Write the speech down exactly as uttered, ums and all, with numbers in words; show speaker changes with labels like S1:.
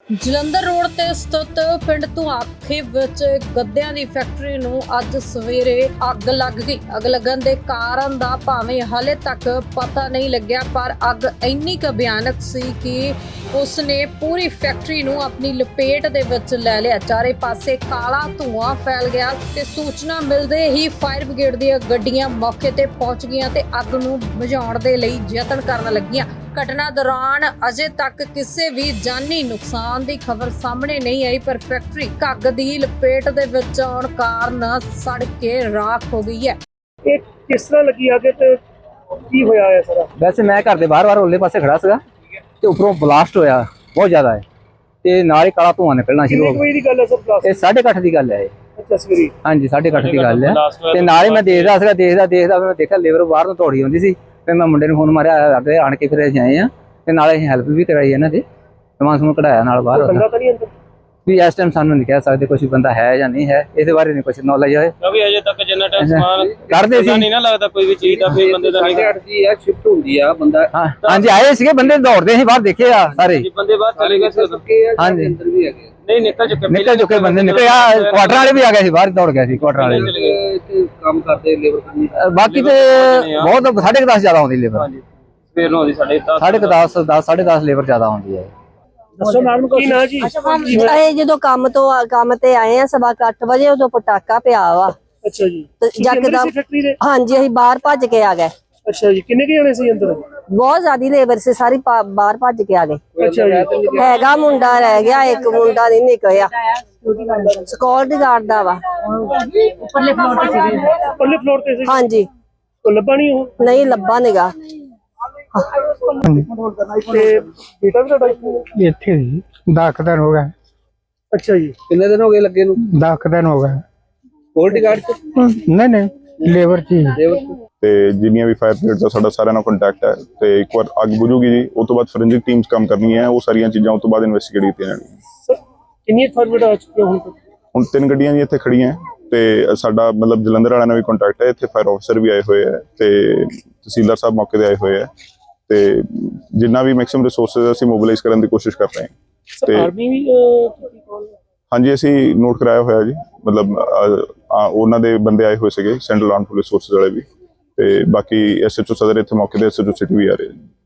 S1: Jalandhar road ਤੇ ਸਥਿਤ ਪਿੰਡ ਧੁਆਖੇ ਵਿੱਚ ਗੱਦਿਆਂ ਦੀ ਫੈਕਟਰੀ ਨੂੰ ਅੱਜ ਸਵੇਰੇ ਅੱਗ ਲੱਗ ਗਈ। ਅੱਗ ਲੱਗਣ ਦੇ ਕਾਰਨ ਦਾ ਭਾਵੇਂ ਹਾਲੇ ਤੱਕ ਪਤਾ ਨਹੀਂ ਲੱਗਿਆ, ਪਰ ਅੱਗ ਇੰਨੀ ਕੁ ਭਿਆਨਕ ਸੀ ਕਿ ਉਸਨੇ ਪੂਰੀ ਫੈਕਟਰੀ ਨੂੰ ਆਪਣੀ ਲਪੇਟ ਦੇ ਵਿੱਚ ਲੈ ਲਿਆ। ਚਾਰੇ ਪਾਸੇ ਕਾਲਾ ਧੂਆਂ ਫੈਲ ਗਿਆ ਤੇ ਸੂਚਨਾ ਮਿਲਦੇ ਹੀ ਫਾਇਰ ਬ੍ਰਿਗੇਡ ਦੀਆਂ ਗੱਡੀਆਂ ਮੌਕੇ ਤੇ ਪਹੁੰਚ ਗਈਆਂ ਤੇ ਅੱਗ ਨੂੰ ਬੁਝਾਉਣ ਦੇ ਲਈ ਯਤਨ ਕਰਨ ਲੱਗੀਆਂ। ਘਟਨਾ ਦੌਰਾਨ ਅਜੇ ਤੱਕ ਕਿਸੇ ਵੀ ਜਾਨੀ ਨੁਕਸਾਨ ਦੀ ਖਬਰ ਸਾਹਮਣੇ ਨਹੀਂ ਆਈ, ਪਰ ਫੈਕਟਰੀ ਅੱਗ ਦੀ ਲਪੇਟ ਦੇ ਵਿੱਚ ਆਉਣ ਕਾਰਨ ਸੜ ਕੇ ਰਾਖ ਹੋ ਗਈ ਹੈ।
S2: ਇਹ ਕਿਸ ਤਰ੍ਹਾਂ ਲੱਗੀ ਅੱਗ ਤੇ ਕੀ ਹੋਇਆ ਹੈ ਸਾਰਾ?
S3: ਵੈਸੇ ਮੈਂ ਘਰ ਦੇ ਬਾਹਰ-ਬਾਹਰ ਉੱਲੇ ਪਾਸੇ ਖੜਾ ਸੀਗਾ ਤੇ ਉੱਪਰੋਂ ਬਲਾਸਟ ਹੋਇਆ ਬਹੁਤ ਜ਼ਿਆਦਾ ਹੈ ਤੇ ਨਾਲ ਹੀ ਕਾਲਾ ਧੂਆਂ ਨਿਕਲਣਾ ਸ਼ੁਰੂ ਹੋ
S2: ਕਿੰਨੇ ਵਜੇ ਦੀ ਗੱਲ ਹੈ ਸਰ? ਬਲਾਸਟ
S3: ਗਿਆ। ਇਹ ਸਾਢੇ ਕੁ ਅੱਠ ਦੀ ਗੱਲ ਹੈ ਇਹ।
S2: ਅੱਛਾ ਸਵੇਰੇ?
S3: ਹਾਂਜੀ ਸਾਢੇ ਕੁ ਅੱਠ ਦੀ ਗੱਲ ਹੈ ਤੇ ਨਾਲ ਹੀ ਮੈਂ ਦੇਖਦਾ ਸੀਗਾ ਦੇਖਦਾ ਦੇਖਦਾ ਮੈਂ ਦੇਖਿਆ ਲੇਬਰ ਬਾਹਰ ਨੂੰ ਦੌੜੀ ਆਉਂਦੀ ਸੀ ਤੇ ਮੈਂ ਮੁੰਡੇ ਨੂੰ ਫੋਨ ਮਾਰਿਆ, ਅੱਗੇ ਆਣ ਕੇ ਫਿਰ ਅਸੀਂ ਆਏ ਆ ਤੇ ਨਾਲੇ ਅਸੀਂ ਹੈਲਪ ਵੀ ਕਰਾਈ ਇਹਨਾਂ ਦੀ, ਸਮਾਨ ਸਮੂਨ ਕਢਾਇਆ ਨਾਲ ਬਾਹਰ।
S2: ਬੰਦਾ ਤਾਂ ਨਹੀਂ ਅੰਦਰ?
S3: ਵੀ ਇਸ ਟਾਈਮ ਸਾਨੂੰ ਨਹੀਂ ਕਹਿ ਸਕਦੇ ਕੋਈ ਬੰਦਾ ਹੈ ਜਾਂ ਨਹੀਂ ਹੈ, ਇਹਦੇ ਬਾਰੇ ਨਹੀਂ ਕੁਝ ਨੌਲੇਜ ਹੈ
S4: ਕਿਉਂਕਿ ਅਜੇ ਤੱਕ ਜਿੰਨਾ ਟਾਈਮ ਸਮਾਨ
S3: ਕਰਦੇ ਸੀ
S4: ਨਹੀਂ ਨਾ ਲੱਗਦਾ ਕੋਈ ਵੀ ਚੀਜ਼ ਦਾ ਕੋਈ ਬੰਦੇ ਦਾ ਨਹੀਂ
S2: ਦੀ ਆ ਸ਼ਿਫਟ ਹੁੰਦੀ ਆ ਬੰਦਾ।
S3: ਹਾਂਜੀ ਆਏ ਸੀਗੇ ਬੰਦੇ ਦੌੜਦੇ ਸੀ ਬਾਹਰ, ਦੇਖੇ ਆ ਸਾਰੇ
S4: ਬੰਦੇ ਬਾਹਰ ਚਲੇ ਗਏ ਸੀ।
S3: ਹਾਂਜੀ
S2: ਅੰਦਰ ਵੀ ਹੈਗੇ
S4: ਨਹੀਂ ਨਿਕਲ ਚੁੱਕੇ
S3: ਨਿਕਲ ਚੁੱਕੇ ਬੰਦੇ ਨਿਕਲੇ ਆ, ਕੁਆਟਰ ਵਾਲੇ ਵੀ ਆ ਗਏ ਸੀ ਬਾਹਰ, ਦੌੜ ਗਏ ਸੀ ਕੁਆਟਰ ਵਾਲੇ ਵੀ।
S2: ਇੱਥੇ ਕੰਮ ਕਰਦੇ ਲੇਬਰ ਕਰਨੀ।
S3: ਬਾਕੀ ਤੇ ਬਹੁਤ ਸਾਢੇ ਦਸ ਜ਼ਿਆਦਾ ਆਉਂਦੀ ਲੇਬਰ,
S4: ਫੇਰ ਨੂੰ ਆਉਂਦੀ ਸਾਡੇ
S3: ਸਾਢੇ ਦਸ ਦਸ ਸਾਢੇ ਦਸ ਲੇਬਰ ਜ਼ਿਆਦਾ ਆਉਂਦੀ ਹੈ।
S2: ਦੱਸੋ ਨਾਮ ਕੀ ਨਾਂ ਜੀ?
S5: ਇਹ ਜਦੋਂ ਕੰਮ ਤੋਂ ਕੰਮ ਤੇ ਆਏ ਆ ਸਵਾ ਕੁ ਅੱਠ ਵਜੇ, ਉਦੋਂ ਪਟਾਕਾ ਪਿਆ ਵਾ
S2: ਅੱਛਾ ਜੀ।
S5: ਤੇ ਯਕਦਮ
S2: ਫੈਕਟਰੀ ਦੇ?
S5: ਹਾਂਜੀ ਅਸੀਂ ਬਾਹਰ ਭੱਜ ਕੇ ਆ ਗਏ।
S2: ਅੱਛਾ ਜੀ। ਕਿੰਨੇ ਕੁ ਜਣੇ ਸੀ ਅੰਦਰ?
S5: ਬਹੁਤ ਜ਼ਿਆਦੀ ਲੇਬਰ ਸੀ, ਸਾਰੀ ਪਾ- ਬਾਹਰ ਭੱਜ ਕੇ ਆ ਗਏ।
S2: ਅੱਛਾ ਜੀ।
S5: ਹੈਗਾ ਮੁੰਡਾ ਰਹਿ ਗਿਆ, ਇੱਕ ਮੁੰਡਾ ਨਹੀਂ ਨਿਕਲਿਆ, ਸਿਕਿਉਰਿਟੀ ਗਾਰਡ ਦਾ ਵਾ।
S2: ਉੱਪਰਲੇ ਫਲੋਰ ਤੇ ਸੀ? ਉੱਪਰਲੇ ਫਲੋਰ ਤੇ ਸੀ।
S5: ਹਾਂਜੀ
S2: ਉਹ ਲੱਭਾ ਨਹੀਂ? ਉਹ
S5: ਨਹੀਂ ਲੱਭਾ ਨਿਗਾ।
S2: ਤੇ ਬੇਟਾ ਵੀ ਤੁਹਾਡਾ ਇੱਥੇ?
S6: ਇੱਥੇ ਜੀ ਦਸ ਦਿਨ ਹੋ ਗਏ।
S2: ਅੱਛਾ ਜੀ।
S3: ਕਿੰਨੇ ਦਿਨ ਹੋ ਗਏ ਲੱਗੇ ਨੂੰ?
S6: ਦਸ ਦਿਨ ਹੋ ਗਏ।
S3: ਸਕਿਉਰਟੀ ਗਾਰਡ ਚ?
S6: ਨਹੀਂ ਨਹੀਂ ਲੇਬਰ ਚ ਹੀ।
S7: ਤੇ ਜਿੰਨੀਆਂ ਵੀ ਫਾਇਰ ਬ੍ਰਿਗੇਡ ਦਾ ਸਾਡਾ ਸਾਰਿਆਂ ਨਾਲ ਕੰਟੈਕਟ ਹੈ ਤੇ ਇੱਕ ਵਾਰ ਅੱਗ ਬੁਝੂਗੀ ਜੀ, ਉਸ ਤੋਂ ਬਾਅਦ ਫੋਰੈਂਸਿਕ ਟੀਮਸ ਕੰਮ ਕਰਨੀਆਂ ਹੈ, ਉਹ ਸਾਰੀਆਂ ਚੀਜ਼ਾਂ ਉਸ ਤੋਂ ਬਾਅਦ ਇਨਵੈਸਟੀਗੇਟ ਕੀਤੀਆਂ ਜਾਣਗੀਆਂ।
S2: ਸਰ ਕਿੰਨੀਆਂ ਫਾਇਰ ਬ੍ਰਿਗੇਡ ਆ ਚੁੱਕੀਆਂ ਹੁਣ ਤੱਕ?
S7: ਹੁਣ ਤਿੰਨ ਗੱਡੀਆਂ ਜੀ ਇੱਥੇ ਖੜੀਆਂ ਤੇ ਸਾਡਾ ਮਤਲਬ ਜਲੰਧਰ ਵਾਲਿਆਂ ਨਾਲ ਵੀ ਕੰਟੈਕਟ ਹੈ, ਇੱਥੇ ਫਾਇਰ ਆਫਿਸਰ ਵੀ ਆਏ ਹੋਏ ਹੈ ਤੇ ਤਹਿਸੀਲਦਾਰ ਸਾਹਿਬ ਮੌਕੇ ਤੇ ਆਏ ਹੋਏ ਹੈ ਤੇ ਜਿੰਨਾ ਵੀ ਮੈਕਸਿਮਮ ਰਿਸੋਰਸਸ ਅਸੀਂ ਮੋਬਿਲਾਈਜ਼ ਕਰਨ ਦੀ ਕੋਸ਼ਿਸ਼ ਕਰ ਰਹੇ ਹਾਂ।
S2: ਤੇ ਆਰਮੀ ਵੀ ਅਹ,
S7: ਹਾਂਜੀ ਅਸੀਂ ਨੋਟ ਕਰਾਇਆ ਹੋਇਆ ਜੀ, ਮਤਲਬ ਉਹਨਾਂ ਦੇ ਬੰਦੇ ਆਏ ਹੋਏ ਸੀਗੇ, ਸੈਂਟਰਲ ਆਰਮਡ ਪੁਲਿਸ ਫੋਰਸਿਸ ਵਾਲੇ ਵੀ, ਤੇ ਬਾਕੀ ਐਸਐਚਓ ਸਦਰ ਇੱਥੇ ਮੌਕੇ ਤੇ ਐਸਐਚਓ ਸਿਟੀ ਵੀ ਆ ਰਹੇ।